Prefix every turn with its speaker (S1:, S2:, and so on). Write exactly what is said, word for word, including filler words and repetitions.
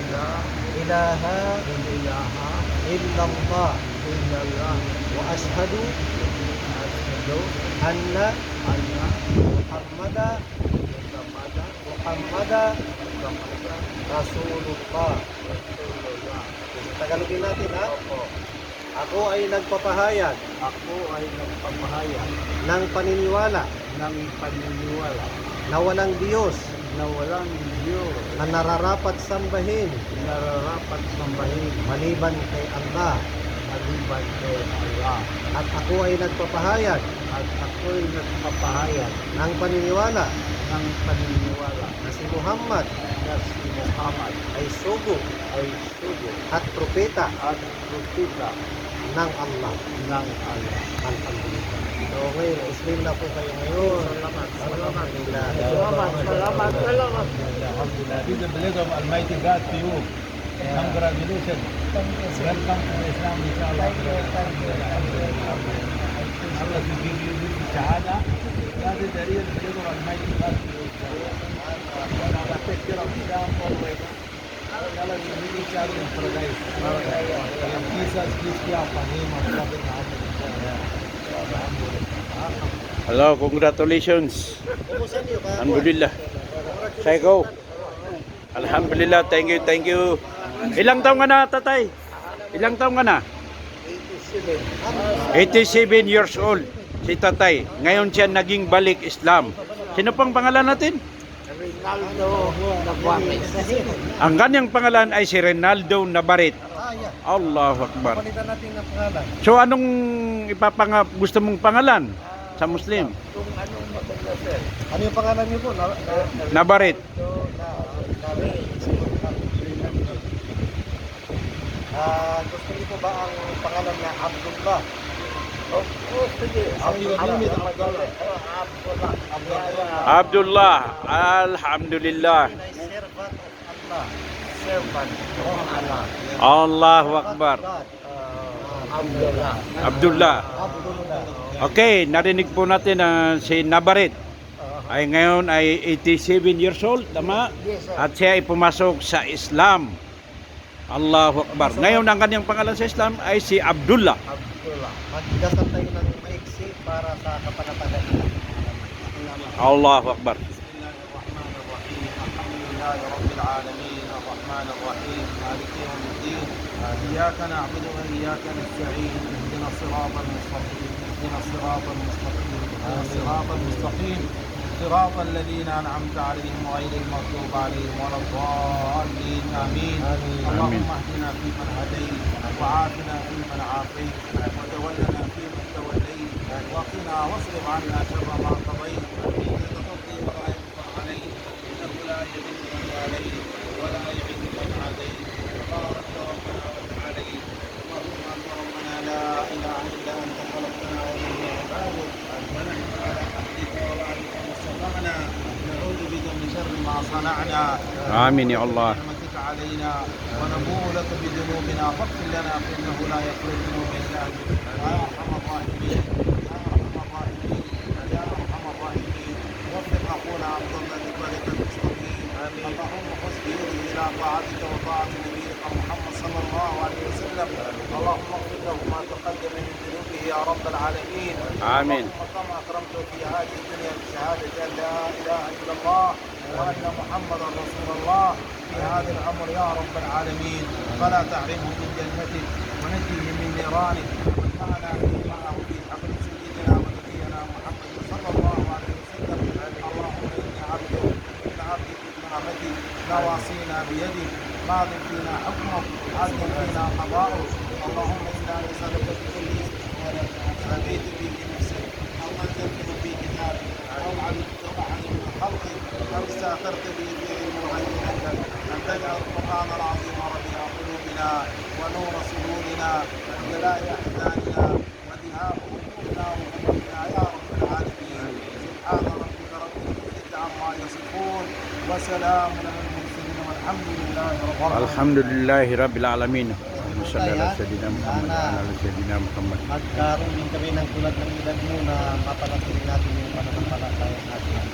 S1: la
S2: ilaha
S1: ilaha
S2: illallah
S1: illallah
S2: wa ashhadu
S1: asyhadu
S2: anna
S1: anna
S2: Muhammada
S1: Muhammadan
S2: Muhammada
S1: Muhammadan
S2: Rasulullah.
S1: Rasulullah.
S2: Tagalogin natin ha.
S1: Opo.
S2: Ako ay nagpapahayag
S1: Ako ay nagpapahayag
S2: ng paniniwala
S1: ng paniniwala
S2: na walang Diyos
S1: na walang Diyos
S2: na nararapat sambahin
S1: nararapat sambahin
S2: maliban kay Allah,
S1: maliban kay Allah.
S2: at ako ay nagpapahayag
S1: At ako'y nagpapahayag
S2: ng paniniwala
S1: ng paniniwala
S2: na si Muhammad
S1: na si Muhammad
S2: ay sugo
S1: ay sugo
S2: at propeta
S1: at propeta
S2: ng Allah.
S1: ng Allah.
S2: Alhamdulillah. So ngayon, Muslim na po kayo ngayon.
S1: Salamat, salamat.
S2: Alhamdulillah.
S1: Salamat, salamat, salamat.
S3: Alhamdulillah. This is the blessing of Almighty God to you. Congratulations. Welcome to Islam, inshallah. Allah will give you this shahada. That is the real blessing of Almighty God to you. Allah take care of Islam always. Allah will meet each other in paradise. And Jesus, please be our name of Prophet Muhammad.
S4: Hello, congratulations.
S2: Kumusta niyo ka?
S4: Alhamdulillah. Say go. Alhamdulillah, thank you, thank you. Ilang taong ka na, tatay? Ilang taong ka na? eighty-seven years old si tatay. Ngayon siya naging balik Islam. Sino pang pangalan natin?
S1: Rinaldo Navarez.
S4: Ang kanyang pangalan ay si Rinaldo Navarrete.
S2: Ah, yeah.
S4: Allahu Akbar.
S2: Palitan natin ng pangalan.
S4: So anong ipapanga gusto mong pangalan sa Muslim?
S1: Kung anong maganda, sir.
S2: Ano yung pangalan niyo po? Na, na,
S4: Navarrete.
S2: Ah, gusto niyo po ba ang pangalan na Abdullah?
S1: Oh, oh, sige.
S2: Abdullah.
S1: Abdullah.
S4: Abdullah. Alhamdulillah.
S2: Ay servant of Allah.
S1: Servant of Allah.
S4: Allahu Akbar.
S2: God.
S1: Abdullah.
S4: Abdullah.
S2: Abdullah.
S4: Okay, narinig po natin na si Navarrete ay ngayon ay eighty-seven years old, tama?
S1: Yes, sir.
S4: At siya ay pumasok sa Islam. Allahu Akbar. Ngayon ang kanyang pangalan sa Islam ay si Abdullah.
S1: Abdullah.
S2: Magdasal tayo ng maiksi para sa kapanatagan.
S4: Allahu Akbar.
S3: لله رب العالمين الرحمن الرحيم مالك يوم الدين إياك نعبد وإياك نستعين اهدنا الصراط المستقيم اهدنا الصراط المستقيم اهدنا الصراط المستقيم صراط الذين أنعمت عليهم غير المغضوب عليهم ولا الضالين آمين اللهم اهدنا فيمن هديت وعافنا فيمن عافيت وتولنا فيمن توليت وقنا واصرف عنا شر ما قضيت إنك تقضي ولا يقضى عليك إنه لا يذل من واليت ولا يعز من عاديت تبارك ربنا وتعاليت اللهم أنت ربنا لا إله إلا أنت خلقتنا ونحن عبادك ونحن على عهدك ووعدك ما استطعنا نعوذ بك من شر ما صنعنا
S4: آمين يا الله.
S3: نعمتك علينا ونبوء لك بذنوبنا فاغفر لنا فإنه لا يغفر الذنوب إلا أنت يا أرحم الراحمين يا أرحم الراحمين يا أرحم الراحمين وفق أخونا عبد الله لطريق المستقيم اللهم خذ بيده إلى طاعتك وطاعة نبيك محمد صلى الله عليه وسلم اللهم اغفر له ما تقدم من ذنوبه يا رب العالمين
S4: آمين.
S3: اللهم كما أكرمته في هذه الدنيا بشهادة أن لا إله إلا الله وأن محمدا رسول الله في هذا الأمر يا رب العالمين فلا تحرمه من جنتك ونجيه من نيرانك وانفعنا معه في حبل سيدنا ونبينا محمد صلى الله عليه وسلم اللهم إني عبدك من عبدك ابن عبدك نواصينا بيدك ماض فينا حكمك عدل فينا قضاؤك اللهم إنا نسألك بكل اسم سميت به نفسك أو أنزلته في كتابك أو علمته أحد من خلقك أو استأثرت به في علم الغيب عندك أن تجعل القرآن العظيم ربيع قلوبنا ونور صدورنا وجلاء أحزاننا وذهاب همومنا وغمومنا يا رب العالمين سبحان ربك رب العزة عما يصفون وسلام على المرسلين والحمد لله رب العالمين.
S4: Alhamdulillahi Rabbil Alamin. Sallallahu alaihi Muhammad wa ala sayyidina Muhammad.
S2: Magkaroon din kami ng tulad ng edad mo na mapanatili natin yung pananampalataya natin.